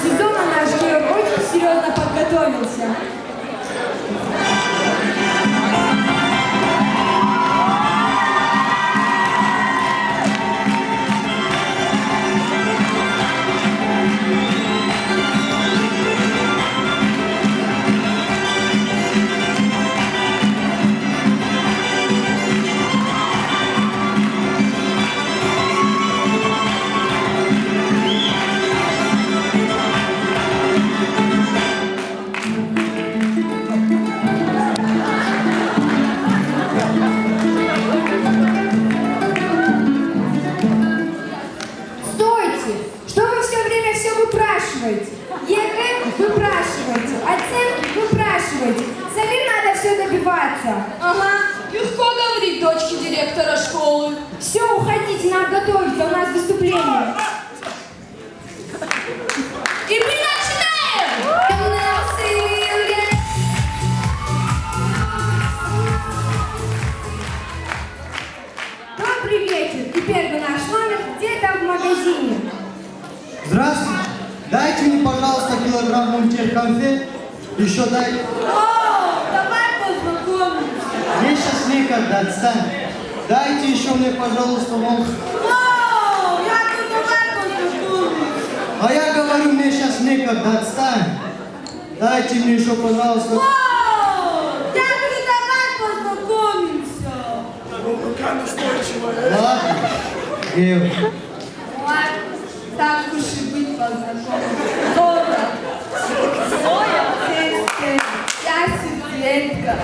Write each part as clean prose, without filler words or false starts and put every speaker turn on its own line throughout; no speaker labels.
сезона наш герой очень серьезно подготовился. ЕГЭ выпрашивайте, оценки выпрашивайте. Самим надо все добиваться.
Ага, легко говорить дочке директора школы.
Все, уходите, нам готовиться, у нас выступление.
И мы начинаем!
Добрый вечер. И первый наш номер где-то в магазине.
Здравствуйте. Дайте мне, пожалуйста, килограмм вон тех конфет. Еще дай.
О, давай познакомимся.
Мне сейчас некогда, отстань. Дайте еще мне, пожалуйста, вон.
О, я тут давай познакомимся.
А я говорю, мне сейчас некогда, отстань. Дайте мне еще, пожалуйста.
О, я говорю, давай познакомимся.
Ну, пока настойчивая.
Ладно. Девушка.
Ладно, так уж и быть познакомимся. Зоя. Зоя? Я студентка.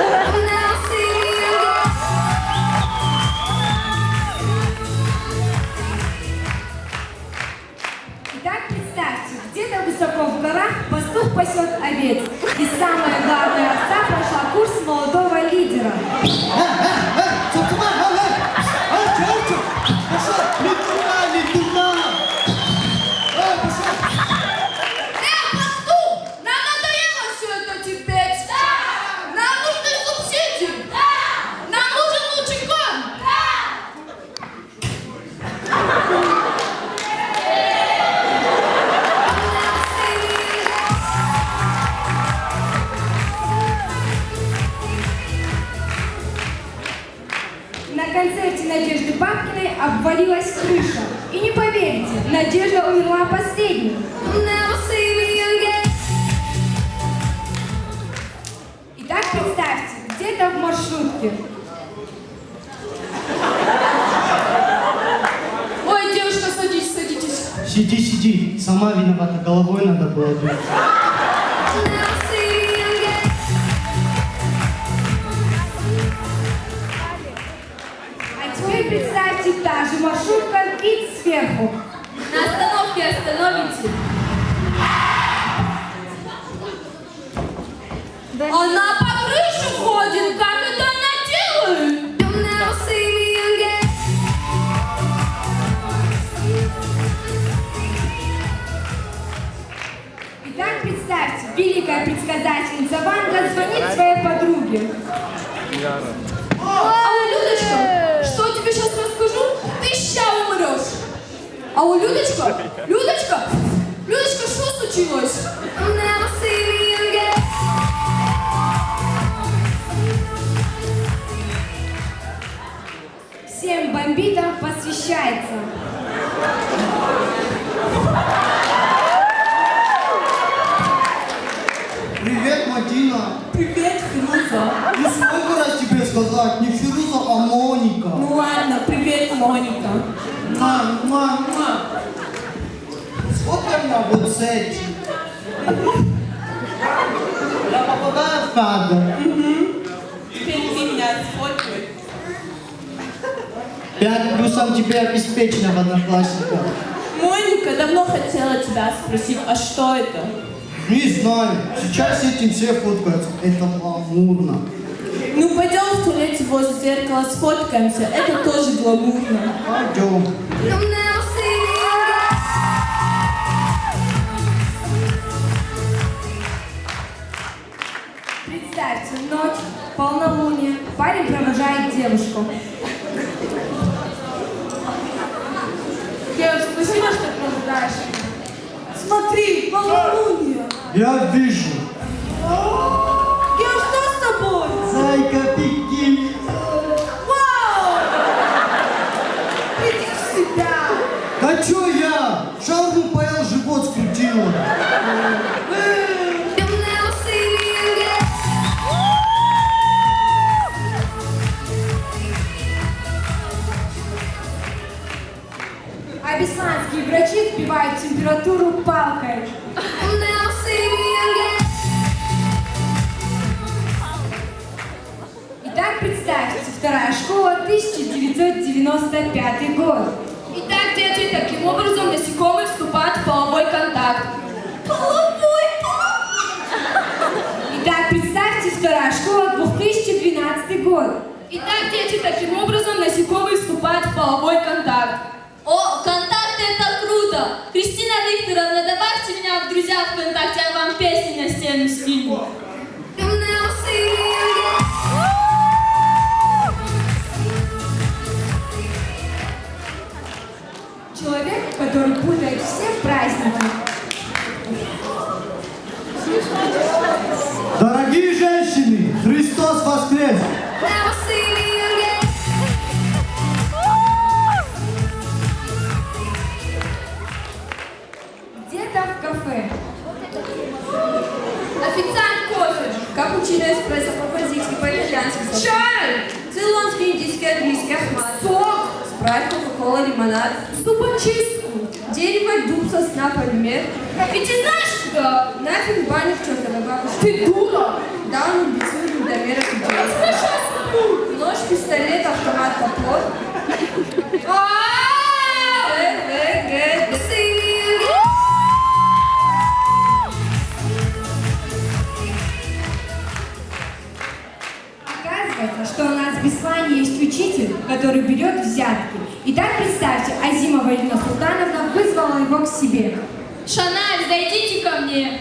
Итак, представьте, где-то высоко в горах пастух пасет овец. И самая главная овца прошла курс молодого лидера. На концерте Надежды Бабкиной обвалилась крыша. И не поверите, Надежда умерла последней. Итак, представьте, где-то в маршрутке.
Ой, девушка, садитесь, садитесь.
Сиди, сиди. Сама виновата, головой надо было думать.
Теперь представьте, та же маршрутка, вид сверху.
На остановке остановите. Она по крыше ходит, как это она делает?
Итак, представьте, великая предсказательница Ванга звонит своей подруге.
Алло, Людочка, что тебе сейчас расскажу? Ты ща умрешь. Алло, Людочка, Людочка, Людочка, что случилось?
Всем бомбитам посвящается.
Привет, Мадина.
Привет, Фируза.
Ну сколько раз тебе сказать? Не Фируза, а Моника.
Ну ладно, привет, Моника.
Мама. Сколько меня вот с этим? Я попадаю в кадр.
Теперь ты меня сфоткай.
5 плюсом тебе обеспечено в Одноклассниках.
Моника, давно хотела тебя спросить, а что это?
Не знаю. Сейчас этим все фоткаются. Это гламурно.
Ну пойдем в туалете возле зеркала сфоткаемся, это тоже гламурно.
Пойдем.
Представьте, ночь, полнолуние, парень провожает девушку.
Девушка, спасибо, что провожаешь.
Смотри, полнолуние.
Я вижу.
Я что с тобой?
Зайка Пекин.
Вау! Иди в себя.
Да чё я? Шаурму поел, живот скрутило.
А бесланские врачи сбивают температуру палкой. Итак, представьте, вторая школа, 1995 год.
Итак, дети, таким образом насекомые вступают в половой контакт.
Итак, представьте, вторая школа, 2012 год.
Итак, дети, таким образом насекомые вступают в половой контакт. О, контакт это круто! Кристина Викторовна, добавьте меня в друзья ВКонтакте, я вам песни на стену скину.
Человек, который путает все праздники.
Дорогие женщины, Христос воскрес!
Где-то в кафе.
Официант кофе.
Капучино, эспрессо, по-бразильски, по-итальянски.
Чай!
Цейлонский, индийский, английский, ахмат. Сок. Спрайт, кока-кола, лимонад. Зубочистку. Дерево, дуб, сосна, полимер.
И ты знаешь что?
Нафиг баню в чертова бабушка.
Ты дура!
Даун, бицу, недомерок и дело. Нож, пистолет, автомат, топор. Оказывается, что у нас в Беслане есть учитель, который берет взятки. Итак, представьте, Азимова Ирина Султановна вызвала его к себе.
Шаналь, зайдите ко мне.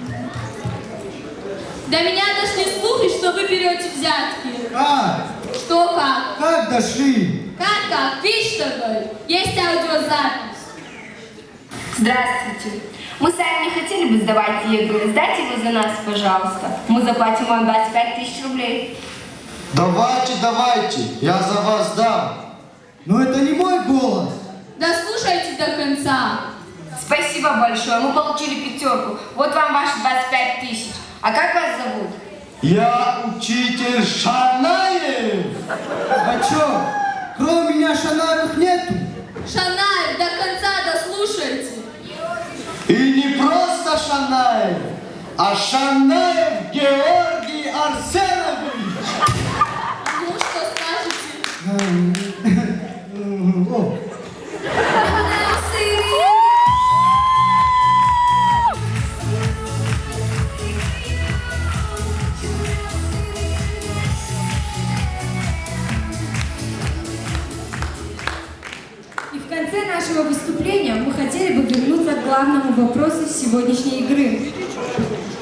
До меня дошли слухи, что вы берете взятки.
Как?
Что как?
Как дошли?
Как? Видишь, что ли? Есть аудиозапись.
Здравствуйте. Мы сами не хотели бы сдавать игры. Сдайте его за нас, пожалуйста. Мы заплатим вам 25 тысяч рублей.
Давайте, я за вас дам.
Но это не мой голос.
Дослушайте до конца.
Спасибо большое. Мы получили 5. Вот вам ваши 25 тысяч. А как вас зовут?
Я учитель Шанаев.
А чё? Кроме меня Шанаевых нету.
Шаналь, до конца дослушайте.
И не просто Шанаев, а Шанаев Георгий Арсенович.
Ну, что скажете?
О,
И в конце нашего выступления мы хотели бы вернуться к главному вопросу сегодняшней игры.